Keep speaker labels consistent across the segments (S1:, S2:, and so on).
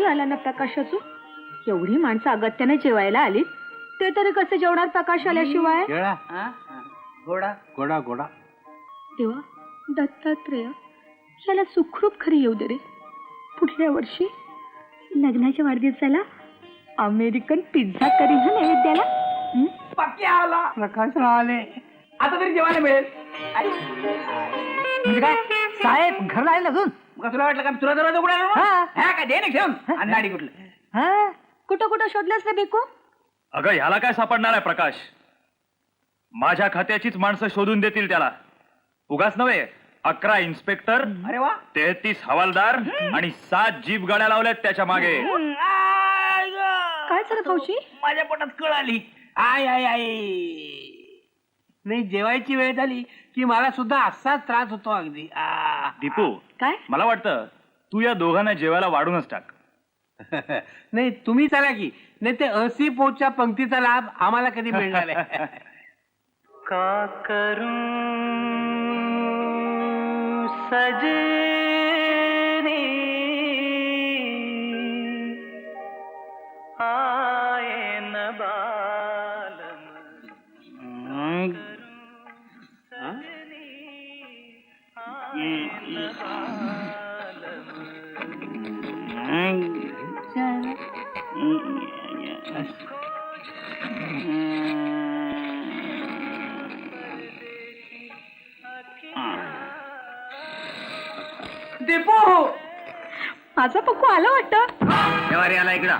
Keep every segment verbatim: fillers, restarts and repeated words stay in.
S1: आला ना प्रकाश अजून. एवढी माणसं अगत्याने जेवायला आली, ते तरी कसे जेवणार प्रकाश आल्याशिवाय.
S2: गोडा गोडा गोडा.
S1: देवा दत्तात्रेय, याला सुखरूप खरी येऊ दे रे. पुढल्या वर्षी लग्नाच्या वाढदिवसाला अमेरिकन पिझ्झा करी हा नैवेद्याला.
S2: पक्की आला प्रकाश आले. आता तरी जेवायला मिळेल. म्हणजे काय साहेब घरला आले अजून? तुला वाटलं का तुला दरवाजा उघडायला काय दे नाही ठेवून अंधाडी कुठलं.
S1: कुठं कुठं शोधलंस रे बेकू?
S3: अगं ह्याला काय सापडणार आहे प्रकाश? माझ्या खात्याचीच माणसं शोधून देतील त्याला. उगाच नव्हे, अकरा इन्स्पेक्टर,
S2: अरे वा,
S3: तेहतीस हवालदार आणि सात जीप गाड्या लावल्यात त्याच्या मागे.
S1: काय झालं भाऊजी?
S2: माझ्या पोटात कळ आली. आय आय आय नाही, जेवायची वेळ झाली की मला सुद्धा असाच त्रास होतो अगदी.
S3: दीपू,
S1: काय?
S3: मला वाटतं तू या दोघांना जेवायला वाढूनच टाक.
S2: नाही तुम्ही चला की, नाही ते असी पोटच्या पंक्तीचा लाभ आम्हाला कधी मिळणार आहे. का करू सजनी आए न बालम. दीपू,
S1: माझा पक्कू आला वाटतं.
S3: जेवारी आला इकडा.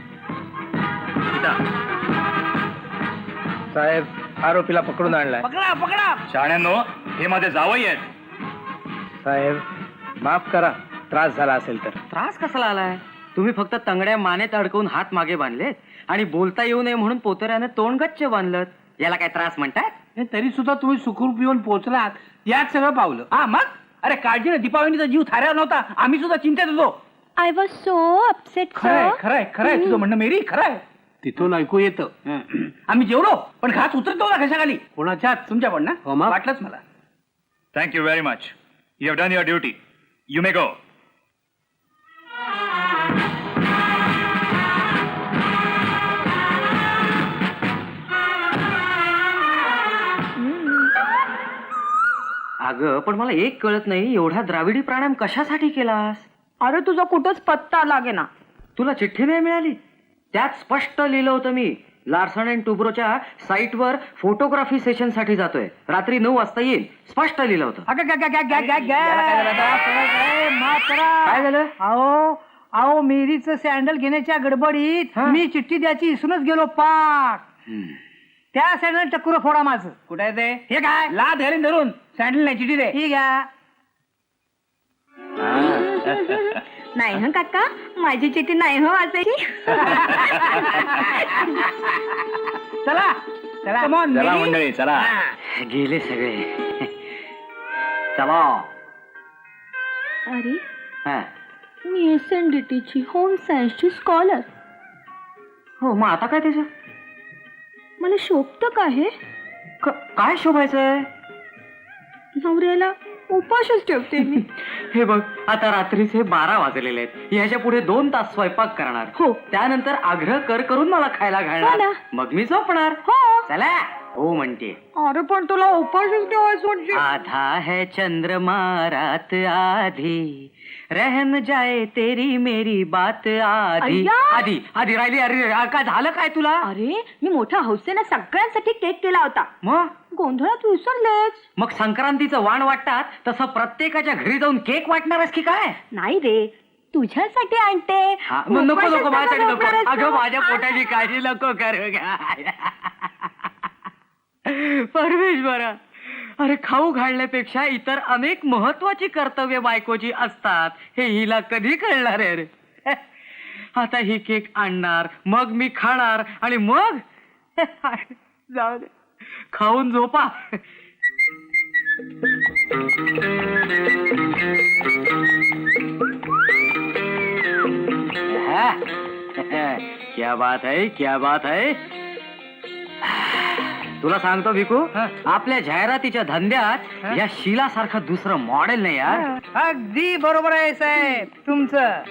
S2: साहेब आरोपीला पकडून आणलाय. पकडा पकडा.
S3: शाण्यांनो, हे माझे जावई आहेत.
S2: साहेब माफ करा, त्रास झाला असेल तर.
S4: त्रास कसाला आलाय? तुम्ही फक्त तंगड्या मानेत अडकवून हात मागे बांधलेत आणि बोलता येऊ नये म्हणून पोतऱ्याने तोंड गच्च बांधलं. याला काय त्रास म्हणतात?
S2: तरी सुद्धा तुम्ही सुखरूप येऊन पोहोचलात, यात सगळं पावलं. हा मग, अरे काळजी ना, दीपावलीचा जीव थाऱ्यावर नव्हता, आम्ही सुद्धा चिंतेत होतो.
S1: I was so upset.
S2: खरंय खरंय खरंय तुझं म्हणणं मेरी, खरंय. तिथून ऐकू येतं. आम्ही जेवलो पण घास उतरतो ना कशाखाली. कोणाच्या? तुमच्या पण ना. वाटलंच मला.
S3: Thank you very much. You have done your duty. You may go.
S4: अगं पण मला एक कळत नाही, एवढा द्राविडी प्राणायाम कशासाठी केलास?
S1: अरे तुझा कुठंच पत्ता लागे ना.
S4: तुला चिठ्ठी नाही मिळाली? त्यात स्पष्ट लिहिलं होतं मी लार्सन अँड टुब्रोच्या साईटवर फोटोग्राफी सेशन साठी जातोय, रात्री नऊ वाजता येईल. स्पष्ट लिहिलं होतं. काय झालं?
S2: अहो अहो मेरीचं सँडल घेण्याच्या गडबडीत मी चिठ्ठी द्यायची विसरूनच गेलो पाक. त्या सँडल टक्कुर फोडा माझं. कुठे आहे ते? हे काय ला धरून धरून सँडल नाही चिठ्ठी दे. ठीक आहे.
S1: नाही हं काका, माझी चिठी नाही हो वाचायची.
S2: चला चला
S3: चला मंडळी चला.
S4: गेले सगळे. चला.
S1: अरे
S4: हा.
S1: मी एस एन डी टी ची होम सायन्सची स्कॉलर.
S4: हो, मग आता काय त्याचं?
S1: मला शोभतं का हे?
S4: काय शोभायचंय?
S1: नवऱ्याला उपाशच ठेवते मी.
S4: हे बघ, आता रात्रीचे बारा वाजलेले आहेत. ह्याच्या पुढे दोन तास स्वयंपाक करणार.
S1: हो.
S4: त्यानंतर आग्रह कर करून मला खायला घालणार. मग मी झोपणार.
S1: हो.
S4: चला हो म्हणते.
S1: अरे पण तुला उपाशच ठेवायचं म्हणजे.
S4: आधा है चंद्रमा रात आधी, रहन जाए तेरी मेरी बात आधी. आधी आधी राहिली. अरे काय झालं काय तुला?
S1: अरे मी मोठ्या हौसेने सगळ्यांसाठी केक केला होता.
S4: मग
S1: गोंधळात विसरलेच.
S4: मग संक्रांतीचं वाण वाटतात तसं प्रत्येकाच्या घरी जाऊन केक वाटणारच की काय?
S1: नाही रे, तुझ्यासाठी आणते.
S4: नको नको माझ्यासाठी नको. अगं माझ्या पोटाची काळजी नको करू. परमेश्वरा, अरे खाऊ घालण्यापेक्षा इतर अनेक महत्वाची कर्तव्य बायकोची असतात हे हिला कधी कळणार आहे रे? आता ही केक आणणार, मग मी खाणार आणि मग जाऊ दे, खाऊन झोपा. क्या बात है, क्या बात है. तुला सांगतो भिकू
S2: हा.
S4: आपल्या जाहिरातीच्या धंद्यात
S2: हा.
S4: या शीला सारखं दुसरं मॉडेल नाही यार.
S2: अगदी बरोबर आहे साहेब तुमचं.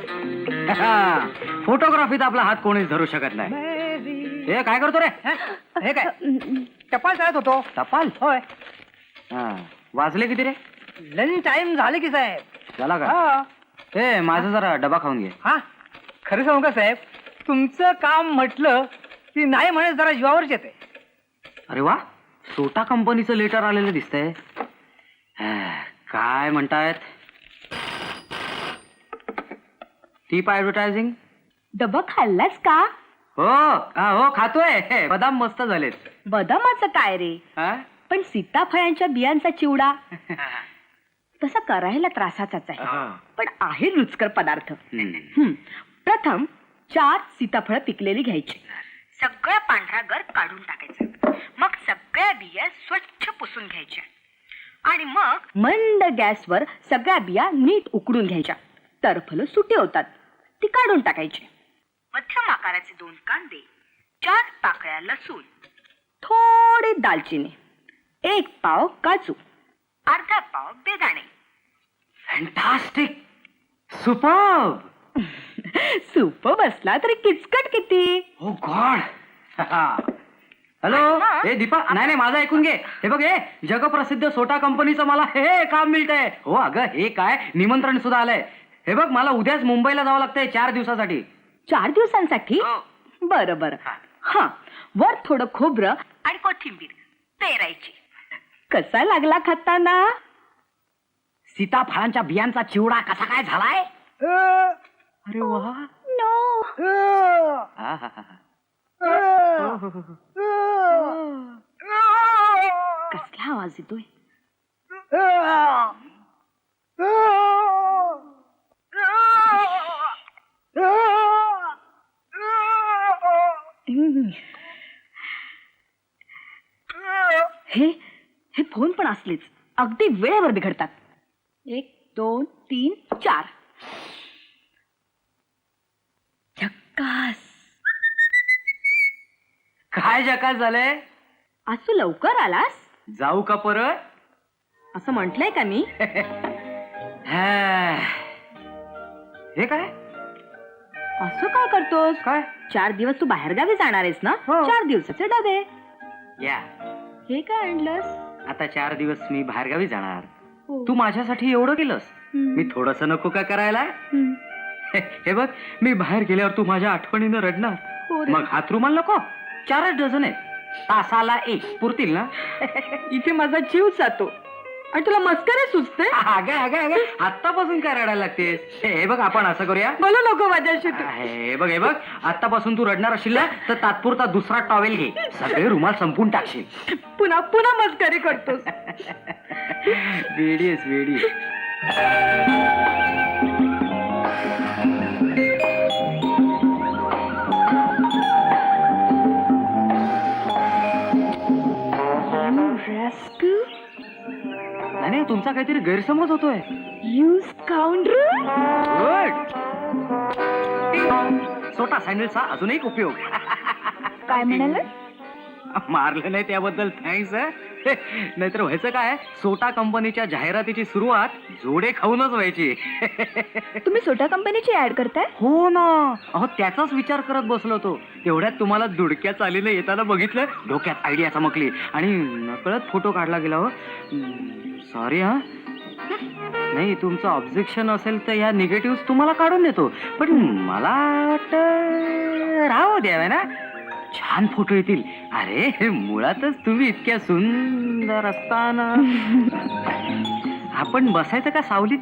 S4: फोटोग्राफीत आपला हात कोणीच धरू शकत नाही. हे काय करतो रे?
S2: हा? हे काय टपाल चालत होतो.
S4: टपाल?
S2: होय.
S4: हा. वाजले किती रे?
S2: लंच टाइम झाले की साहेब.
S4: झाला का?
S2: हा.
S4: ए माझा जरा डबा खाऊन घे.
S2: हा खरं सांगू का साहेब तुमचं काम म्हटलं की नाही म्हणे जरा जीवावरच येते.
S4: अरे वा, सोटा कंपनीचं लेटर आलेलं दिसतंय. हा, काय म्हणतायत? Tip advertising.
S1: डबा खाल्लास का?
S4: हो हा, हो खातोय. बदाम मस्त झालेत.
S1: बदामाचं काय रे?
S4: हा?
S1: पण सीताफळांच्या बियांचा चिवडा तसा करायला त्रासाचाच आहे,
S4: हा.
S1: पण आहे रुचकर पदार्थ.
S4: हम्म.
S1: हं. प्रथम चार सीताफळ पिकलेली घ्यायची. सगळा पांढरा गर काढून टाकायचा. मग सगळ्या बिया स्वच्छ पुसून घ्यायच्या आणि मग मंद गॅसवर सगळ्या बिया नीट उकडून घ्यायच्या. टरफलं सुटे होतात, ती काढून टाकायची. मध्यम आकाराचे दोन कांदे, चार पाकळ्या लसूण, थोडी दालचिनी, एक पाव काजू, अर्धा पाव बेदाणे.
S4: Fantastic, superb.
S1: सूप बसला तरी किचकट किती.
S4: ओ गॉड. हॅलो, हे दीपा, नाही नाही माझं ऐकून घे. हे बघ, हे जगप्रसिद्ध सोटा कंपनीचं मला हे काम मिळतंय. हो अगं, हे काय निमंत्रण सुद्धा आलंय. हे बघ, मला उद्याच मुंबईला जावं लागतंय चार दिवसासाठी.
S1: चार दिवसांसाठी?
S4: हो.
S1: बरं बरं. हा, वर थोडं खोबरं आणि कोथिंबीर पेरायची. कसा लागला खाताना?
S4: सीताफळांच्या बियांचा चिवडा कसा काय झालाय?
S2: अ,
S4: अरे वा.
S1: नो.
S2: अ,
S4: हा, हा, हा.
S2: अ,
S1: कसला आवाज येतोय? हम्म. हे हे फोन पण असलेच अगदी वेळेवर बिघडतात. एक दोन तीन चार. झक्कास.
S4: काय जकास झालंय?
S1: आज तू लवकर आलास
S4: जाऊ का परत?
S1: असं म्हंटलंय का मी?
S4: हा. हे काय?
S1: असं काय करतोस?
S4: काय?
S1: चार दिवस तू बाहेरगावी जाणार आहेस ना?
S4: हो.
S1: चार दिवसाचे डबे.
S4: या,
S1: हे काय आणलंस?
S4: आता चार दिवस मी बाहेरगावी जाणार.
S1: हो.
S4: तू माझ्यासाठी एवढं केलंस,
S1: हम्म.
S4: मी थोडस नको का करायला?
S1: हम्म.
S4: हे बघ, मी बाहेर गेल्यावर तू माझ्या आठवणीनं रडणार.
S1: हो रे.
S4: मग हात रुमाल नको? चारच डझन आहे, तासाला एक पुरतील ना?
S1: इथे माझा जीव जातो आणि तुला मस्करी सुचते.
S4: अगं अगं अगं, आत्तापासून काय रडायला लागतेस? हे बघ, आपण असं करूया.
S1: बोलू नको माझ्याशी तू.
S4: हे बघ, हे बघ, आत्तापासून तू रडणार असशील ना, तर तात्पुरता दुसरा टॉवेल घे, सगळे रुमाल संपून टाकशील.
S1: पुन्हा पुन्हा मस्करी करतोस.
S4: वेडी आहेस, वेडी. नाही नाही, तुमचा काहीतरी गैरसमज होतोय.
S1: You scoundrel!
S4: गुड. सोटा सँडलचा अजून एक उपयोग.
S1: काय म्हणाल?
S4: मारलं नाही त्याबद्दल थँक्स. नाहीतर व्हायचं काय, सोटा कंपनीच्या जाहिरातीची सुरुवात जोडे खाऊनच व्हायची.
S1: तुम्ही सोटा कंपनीची ऍड करताय?
S4: हो ना, अहो त्याचाच विचार करत बसलो होतो. तेवढ्यात तुम्हाला दुडक्या चालीनं येताना बघितलं, डोक्यात आयडिया चमकली आणि नकळत फोटो काढला गेला. हो सॉरी. हा नाही, तुमचं ऑब्जेक्शन असेल तर या निगेटिव्ह तुम्हाला काढून देतो, पण मला वाटतं राहू द्यावे ना, छान फोटो येतील. अरे मुळातच तुम्ही इतक्या सुंदर असताना आपण बसायचं का सावलीत?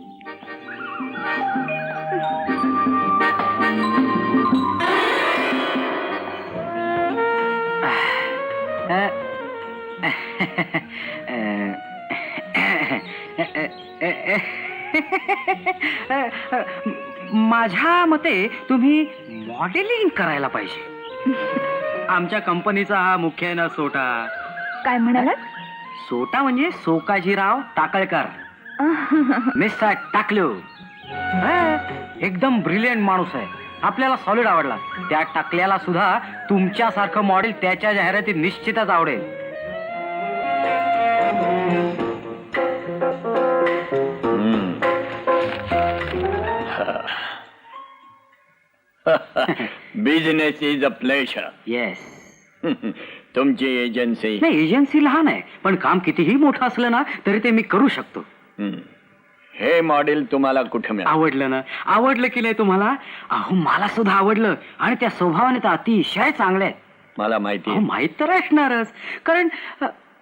S4: माझ्या मते तुम्ही मॉडेलिंग करायला पाहिजे. आमच्या कंपनीचा हा मुख्य ना सोटा.
S1: काय म्हणालात?
S4: सोटा म्हणजे सोकाजीराव टाकळकर, मिस्टर टाकलो. हा, एकदम ब्रिलियंट माणूस आहे. आपल्याला सॉलिड आवडला. त्या टाकल्याला सुद्धा तुमच्यासारखं मॉडेल त्याच्या जाहिरातीत निश्चितच आवडेल.
S5: Business is a pleasure.
S4: Yes.
S5: तुमची एजन्सी
S4: नाही, एजन्सी लहान आहे, पण काम कितीही मोठं असलं ना तरी ते मी करू शकतो.
S5: हे मॉडेल तुम्हाला कुठे मिळालं?
S4: आवडलं ना? आवडलं की नाही तुम्हाला? अहो मला सुद्धा आवडलं, आणि त्या स्वभावाने तर अतिशय चांगले आहेत.
S5: मला माहिती
S4: अहो,
S5: आहे.
S4: माहित तर असणारच, कारण अ,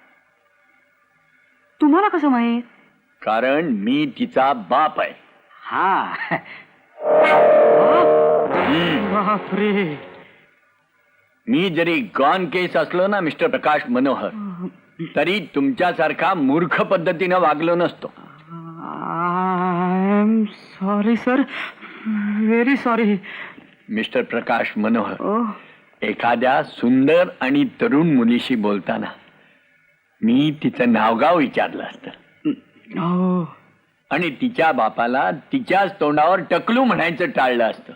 S4: तुम्हाला कसं माहित?
S5: कारण मी तिचा बाप आहे.
S4: हा. बापरे.
S5: मी जरी गॉन केस असलो ना मिस्टर प्रकाश मनोहर, तरी तुमच्यासारखा मूर्ख पद्धतीनं वागलो नसतो.
S4: I am sorry sir, very sorry.
S5: Mister Prakash Manohar,
S4: ओ
S5: एखाद्या सुंदर आणि तरुण मुलीशी बोलताना मी तिचं नावगाव विचारलं असतं,
S4: हो.
S5: आणि तिच्या बापाला तिच्याच तोंडावर टकलू म्हणायचं टाळलं असतं.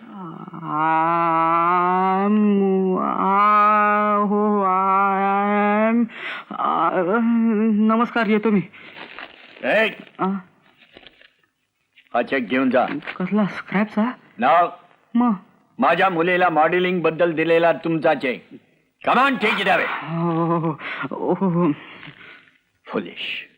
S4: आम- आ- हो आय एम आ- नमस्कार, येतो मी.
S5: ए,
S4: आ,
S5: हा चेक घेऊन जा.
S4: कसला स्क्रॅपचा?
S5: नाव
S4: मग
S5: माझ्या मुलीला मॉडेलिंग बद्दल दिलेला तुमचा चेक. कमान टेक इट अवे.
S4: हो, हो, हो.
S5: फुलिश.